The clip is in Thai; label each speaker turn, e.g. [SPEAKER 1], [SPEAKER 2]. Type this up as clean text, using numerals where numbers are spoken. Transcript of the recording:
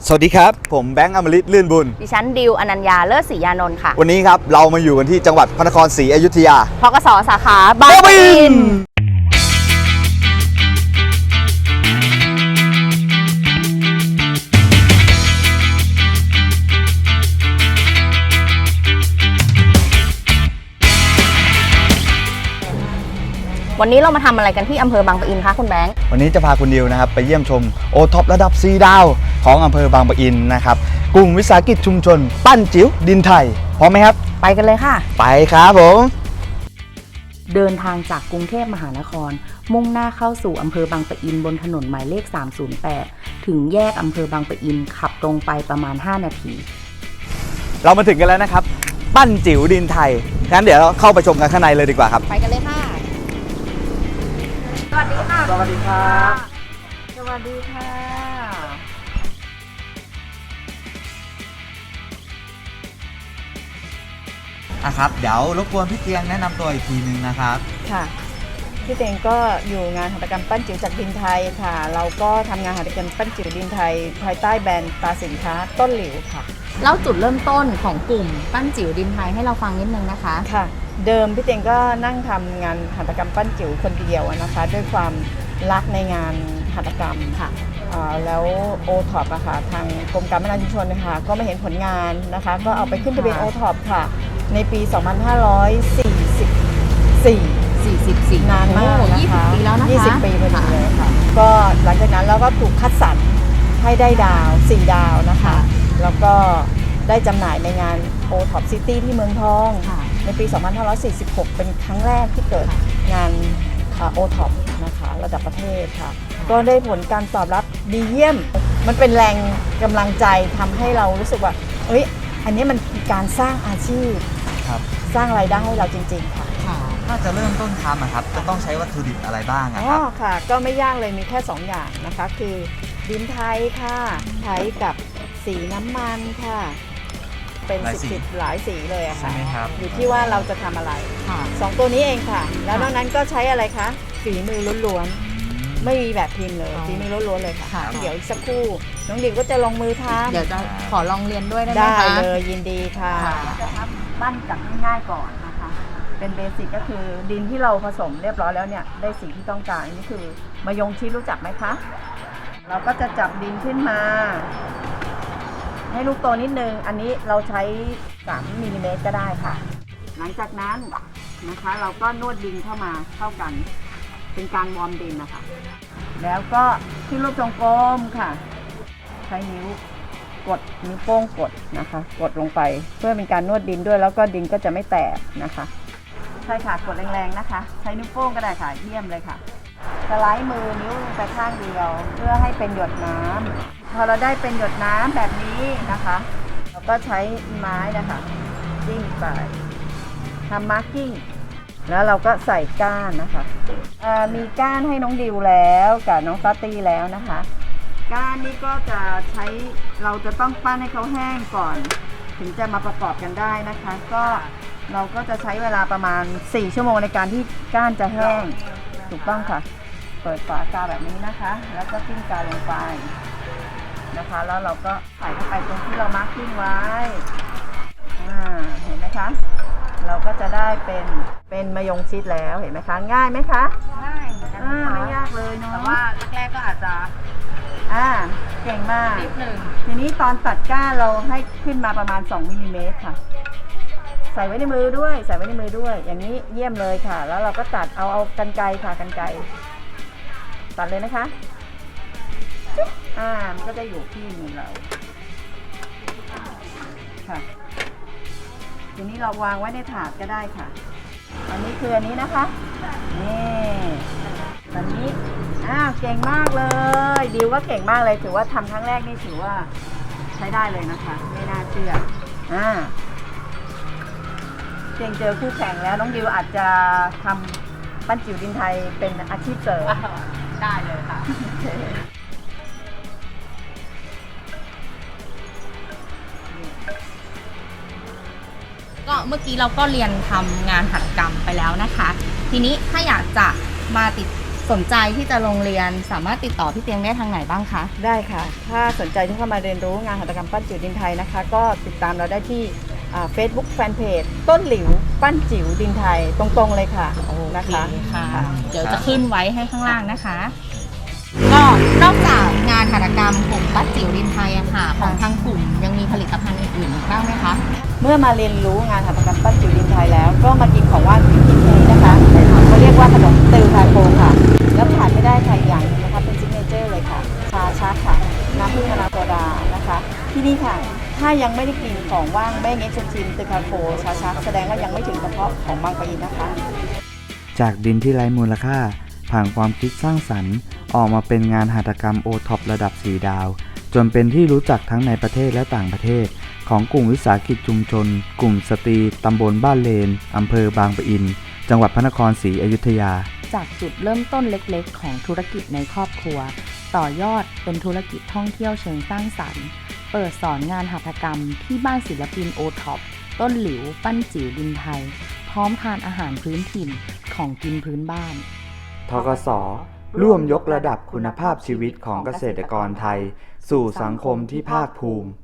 [SPEAKER 1] สวัสดีครับผมแบงค์อมฤตลื่นบุญ
[SPEAKER 2] ดิฉันดิวอนัญญาเลิศศรียานนท์ค่ะ
[SPEAKER 1] วันนี้ครับเรามาอยู่กันที่จังหวัดพระนครศรีอยุธยา
[SPEAKER 2] พกส.สาขาบางปะอินวันนี้เรามาทำอะไรกันที่อำเภอบางปะอินคะคุณแบงค์
[SPEAKER 1] วันนี้จะพาคุณดิวนะครับไปเยี่ยมชมโอท็อประดับ4 ดาวของอำเภอบางปะอินนะครับกลุ่มวิสาหกิจชุมชนปั้นจิ๋วดินไทยพร้อมไหมครับ
[SPEAKER 2] ไปกันเลยค่ะ
[SPEAKER 1] ไปครับผม
[SPEAKER 2] เดินทางจากกรุงเทพมหานครมุ่งหน้าเข้าสู่อำเภอบางปะอินบนถนนหมายเลข308ถึงแยกอำเภอบางปะอินขับตรงไปประมาณ5 นาที
[SPEAKER 1] เรามาถึงกันแล้วนะครับปั้นจิ๋วดินไทยงั้นเดี๋ยวเราเข้าไปชมกันข้างในเลยดีกว่าครับ
[SPEAKER 2] ไปกันเลยค่ะสวัสดีค่ะ
[SPEAKER 1] สวัสดีครับ
[SPEAKER 2] สวัสดีค่ะ
[SPEAKER 1] ครับเดี๋ยวรบกวนพี่เตียงแนะนำตัวอีกทีนึงนะครับ
[SPEAKER 3] ค่ะพี่เตงก็อยู่งานหัตถกรรมปั้นจิ๋วจากดินไทยค่ะเราก็ทำงานหัตถกรรมปั้นจิ๋วดินไทยภายใต้แบรนด์ตราสินค้าต้นหลิวค่ะ
[SPEAKER 2] เล่าจุดเริ่มต้นของกลุ่มปั้นจิ๋วดินไทยให้เราฟังนิดนึงนะคะ
[SPEAKER 3] ค่ะเดิมพี่เตงก็นั่งทำงานหัตถกรรมปั้นจิ๋วคนเดียวนะคะด้วยความรักในงานหัตถกรรมค่ะแล้วโอท็อปอะค่ะทางกรมการพัฒนาชุมชนนะคะก็ไม่เห็นผลงานนะคะก็เอาไปขึ้นทะเบียนโอท็อปค่ะในปี 2544 นานมากนะคะ
[SPEAKER 2] 20 ปีแล้วนะคะ
[SPEAKER 3] 20 ปีพอดีเลยค่ะก็หลังจากนั้นเราก็ถูกคัดสรรให้ได้ดาว4 ดาวนะคะแล้วก็ได้จำหน่ายในงาน O-Top City ที่เมืองทองในปี 2546 เป็นครั้งแรกที่เกิดงาน O-Top นะคะระดับประเทศค่ะก็ได้ผลการตอบรับดีเยี่ยมมันเป็นแรงกำลังใจทำให้เรารู้สึกว่าอันนี้มันคือการสร้างอาชีพสร้างรายได้ให้เราจริงๆค่ะ
[SPEAKER 1] ถ้าจะเริ่มต้นทำครับจะต้องใช้วัตถุดิบอะไรบ้างครับ
[SPEAKER 3] ค่ะก็ไม่ยากเลยมีแค่2 อย่างนะคะคือดินไทยค่ะใช้กับสีน้ำมันค่ะเป็น10 หลายสีเลยอะค่ะอยู่ที่ว่าเราจะทำอะไร2 ตัวนี้เองค่ะแล้วนอกนั้นก็ใช้อะไรคะฝีมือล้วนๆไม่มีแบบพิมพ์เลยฝีมือล้วนๆเลยค่ะเดี๋ยวอีกสักครู่น้องดิวก็จะลงมือทำ
[SPEAKER 2] เดี๋ยวจะขอลองเรียนด้วยได้ไหมคะ
[SPEAKER 3] ได้เลยยินดีค่ะจะทำปั้นจากง่ายๆก่อนนะคะเป็นเบสิกก็คือดินที่เราผสมเรียบร้อยแล้วเนี่ยได้สีที่ต้องการนี่คือมะยงชิดรู้จักไหมคะเราก็จะจับดินขึ้นมาให้ลูกโตนิดนึงอันนี้เราใช้3 มิลลิเมตรก็ได้ค่ะหลังจากนั้นนะคะเราก็นวดดินเข้ามาเข้ากันเป็นการวอร์มดินนะคะแล้วก็ที่รูปทรงกลมค่ะใช้นิ้วโป้งกดนะคะกดลงไปเพื่อเป็นการนวดดินด้วยแล้วก็ดินก็จะไม่แตกนะคะใช่ค่ะกดแรงๆนะคะใช้นิ้วโป้งก็ได้ค่ะเยี่ยมเลยค่ะสไลด์มือนิ้วไปข้างเดียวเพื่อให้เป็นหยดน้ำพอเราได้เป็นหยดน้ำแบบนี้นะคะเราก็ใช้ไม้นะคะจิ้มไปทำมาร์กิ้งแล้วเราก็ใส่ก้านนะคะมีก้านให้น้องดิวแล้วกับน้องตาตีแล้วนะคะก้านนี้ก็จะใช้เราจะต้องปั้นให้เขาแห้งก่อนถึงจะมาประกอบกันได้นะคะก็เราก็จะใช้เวลาประมาณ4 ชั่วโมงในการที่ก้านจะแห้งถูกต้องค่ะเปิดฝากาแบบนี้นะคะแล้วก็จิ้มกาลงไปนะคะแล้วเราก็ใส่เข้าไปตรงที่เรามาร์คกิ้งไว้เห็นไหมคะเราก็จะได้เป็นมะยงชิดแล้วเห็นไหมคะง่ายไหมคะ
[SPEAKER 2] ง่าย
[SPEAKER 3] ไม่ยากเลยเนาะ
[SPEAKER 2] แต่ว่าแรกๆก็อาจจะ
[SPEAKER 3] เก่งมาก
[SPEAKER 2] นิดนึง
[SPEAKER 3] ทีนี้ตอนตัดก้านเราให้ขึ้นมาประมาณ2 มิลลิเมตรค่ะใส่ไว้ในมือด้วยอย่างนี้เยี่ยมเลยค่ะแล้วเราก็ตัดเอากรรไกรค่ะกรรไกรตัดเลยนะคะมันก็จะอยู่ที่มือเราค่ะทีนี้เราวางไว้ในถาดก็ได้ค่ะอันนี้คืออันนี้นะคะนี่อันนี้เก่งมากเลยดิวก็เก่งมากเลยถือว่าทำครั้งแรกนี่ถือว่าใช้ได้เลยนะคะไม่น่าเชื่อเก่งเจอคู่แข่งแล้วน้องดิวอาจจะทำปั้นจิ๋วดินไทยเป็นอาชีพเสริม
[SPEAKER 2] ได้เลยค่ะก็เมื่อกี้เราก็เรียนทำงานหัตถกรรมไปแล้วนะคะทีนี้ถ้าอยากจะมาติดสนใจที่จะลงเรียนสามารถติดต่อพี่เตียงได้ทางไหนบ้างคะ
[SPEAKER 3] ได้ค่ะ ถ้าสนใจที่เข้ามาเรียนรู้งานหัตถกรรมปั้นจิ๋วดินไทยนะคะ ก็ติดตามเราได้ที่Facebook Fanpage ต้นหลิวปั้นจิ๋วดินไทยตรงๆเลยค่ะนะคะ
[SPEAKER 2] ค่ะเดี๋ยวจะขึ้นไว้ให้ข้างล่างนะคะ ก็นอกจากงานหัตถกรรมกลุ่มปั้นจิ๋วดินไทยอะค่ะของทางกลุ่มยังมีผลิตภัณฑ์อื่นๆอีกบ้างไหมคะ
[SPEAKER 3] เมื่อมาเรียนรู้งานหัตถกรรมปั้นจิ๋วดินไทยแล้ว ก็มากินของว่างที่กินนี้นะคะเขาเรียกว่าขนมตือพาโคค่ะ แล้วขาดไม่ได้ค่ะอย่างหนึงนะคะเป็นซิกเนเจอร์เลยค่ะ ชาชักค่ะ น้ำผึ้งมะนาวโซดานะคะ ที่นี่ค่ะ ถ้ายังไม่ได้กินของว่างแม่เง็กชมชิมตือพาโคชาชักแสดงว่ายังไม่ถึงกระเพาะของบางปะอินนะคะ
[SPEAKER 1] จากดินที่ไร้มูลค่าผ่านความคิดสร้างสรรค์ออกมาเป็นงานหัตถกรรมโอท็อประดับ4 ดาว จนเป็นที่รู้จักทั้งในประเทศและต่างประเทศของกลุ่มวิสาหกิจชุมชน กลุ่มสตรีตำบลบ้านเลนอำเภอบางปะอิน จังหวัดพระนครศรีอยุธยา
[SPEAKER 2] จากจุดเริ่มต้นเล็กๆ ของธุรกิจในครอบครัว ต่อยอดเป็นธุรกิจท่องเที่ยวเชิงสร้างสรรค์ เปิดสอนงานหัตถกรรมที่บ้านศิลปินโอท็อปต้นหลิวปั้นจิ๋วดินไทย พร้อมทานอาหารพื้นถิ่นของกินพื้นบ้าน
[SPEAKER 1] ทกส.ร่วมยกระดับคุณภาพชีวิตของเกษตรกรไทย สู่สังคมที่ภาคภูมิ